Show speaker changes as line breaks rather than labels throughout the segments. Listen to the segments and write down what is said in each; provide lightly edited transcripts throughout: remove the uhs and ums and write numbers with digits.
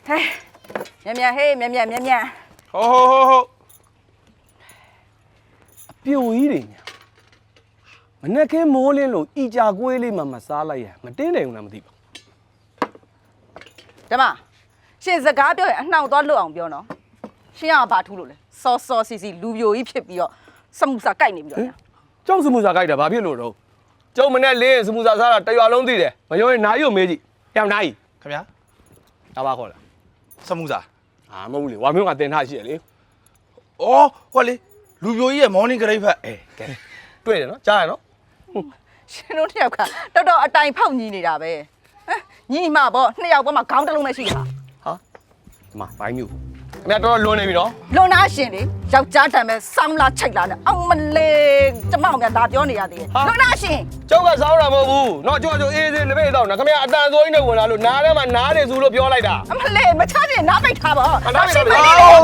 ဟဲ့မြန်ဟေးမြန်
ဟုတ်အပြိုကြီးတွေညာမနဲ့ခင်းမိုးလင်းလို့ဤကြကွေးလေးမှမစားလိုက်ရမတင်းတယ်ဘူးလားမသိပါ
ဓမ္မရှင်စကားပြောရင်အနှောင့်သွားလွတ်အောင်ပြောနော်ရှင်ကဘာထူးလို့လဲစောစီလူပြိုကြီးဖြစ်ပြီးတော့စမှုစာကြိုက်နေပြီးတော့ညာ
ကျောင်းစမှုစာကြိုက်တာဘာဖြစ်လို့တော့ကျုံမနဲ့လင်းစမှုစာစားတာတရွာလုံးသိတယ်မပြောရင်နားရုံမေးကြည့်ပြောင်းနားကြီး
ခင်ဗျာ
ဒါပါခေါ်လား
စမှုစာ
မဟုတ်ဘူးလေဝါမျိုးကတင်ထားရှိရလေ
ဩဟောလေလူပြိုကြီးရဲ့ morning ဂရိတ်ဖက်
ကဲတွေ့တယ်နော်ကြားရနော်
ရှင်တို့နှစ်ယောက်ကတော်တော်အတိုင်ဖောက်ညီနေတာပဲညီမပေါ့နှစ်ယောက်ပေါ်မှာခေါင်းတစ်လုံးနဲ့ရှိတာ
ဟာဒီမှာဘိုင်းမျိုးခင်ဗျာတော်တော်လွန်နေပြီနော်
လွန်သားရှင်လေယောက်ျားတံပဲစောင်းလာချိတ်လာနဲ့အောင်မလေးကျမကဒါပြောနေရသေးတယ်လွန်သားရှင်
ကျောက်ကစောင်းတာမဟုတ်ဘူးနော်ကျောက်အေးသေးလက်ပိတ်တော့နော်ခင်ဗျာအတန်ဆိုးကြီးနဲ့ဝင်လာလို့နားထဲမှာနားတယ်ဆိုလို့ပြောလိုက်တာ
အမလေးမချချင်နားပိတ်ထားပါ
နားပိတ်ထားပါ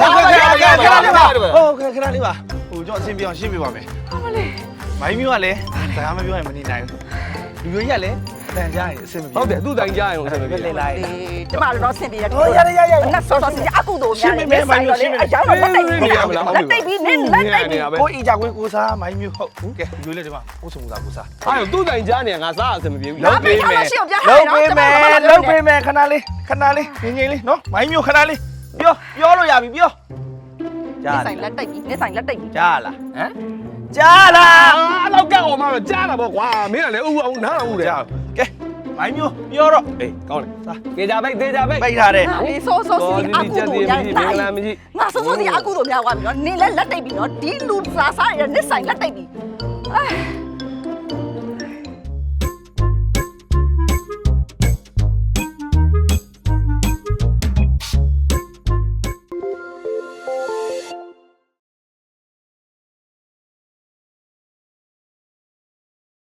ဟုတ်ကဲ့ခဏလေးပါဟိုကျွန်တော်အဆင်ပြေအောင်ရှင်းပြပါမယ်
အမလေး
မိုင်းမျိုးကလည်းစကားမပြောရင်မနေနိုင်ဘူးလူမျိုးကြီးကလည်းအတန်ကြားရင်အဆင်မပြေ
ဟုတ်တယ်သူ့တိုင်ကြားရင်အဆင်မပြေ
လေလိုက်
ကျမတို့တော့ဆင်ပြေရတယ်
ဟိုရ
ငါစောစီအကုသို့များတယ်ဆိုင်တော့လေအကြောင်းတော့လက်တိတ်ပြီးလက်တိတ်ပြီးနင်းလက်တိတ်ပြီး
ကိုအီကြကွင်းကိုစားမိုင်းမျိုးဟုတ်ကဲလူလေးဒီမှာကိုစမှုစားကိုစား
အဲ့သူ့တိုင်ကြားနေငါစားအဆင်မပြေဘူး
လုပ်ပေးမယ်
လုပ်ပေးမယ်ခဏလေးငြိမ်လေးနော်မိုင်းမျိုးခဏလေးပြောလို့ရပြီပြော
ကြားဆိုင်လက်တိတ်ပြီးနေဆိုင်လက်တိတ်ပြီး
ကြားလားဟမ်ကြားလား
အဲ့လောက်ကက်အောင်မှကြားတာပေါ့ကွာမင်းကလည်းဥအောင်နားအောင်တယ်
ကဲမိုင်းမျိုးပြောတော့
အေးကောင်းတယ်စားကေကြပိတ်သေးကြပိတ်
ပိတ်ထားတယ်
အေးစောစီအကုသို့များ
မင်္ဂလာမကြီး
ငါစောစီအကုသို့များသွားပြီနော်နင်းလက်တိတ်ပြီးနော်ဒီလူစားစားရနေဆိုင်လက်တိတ်ပြီး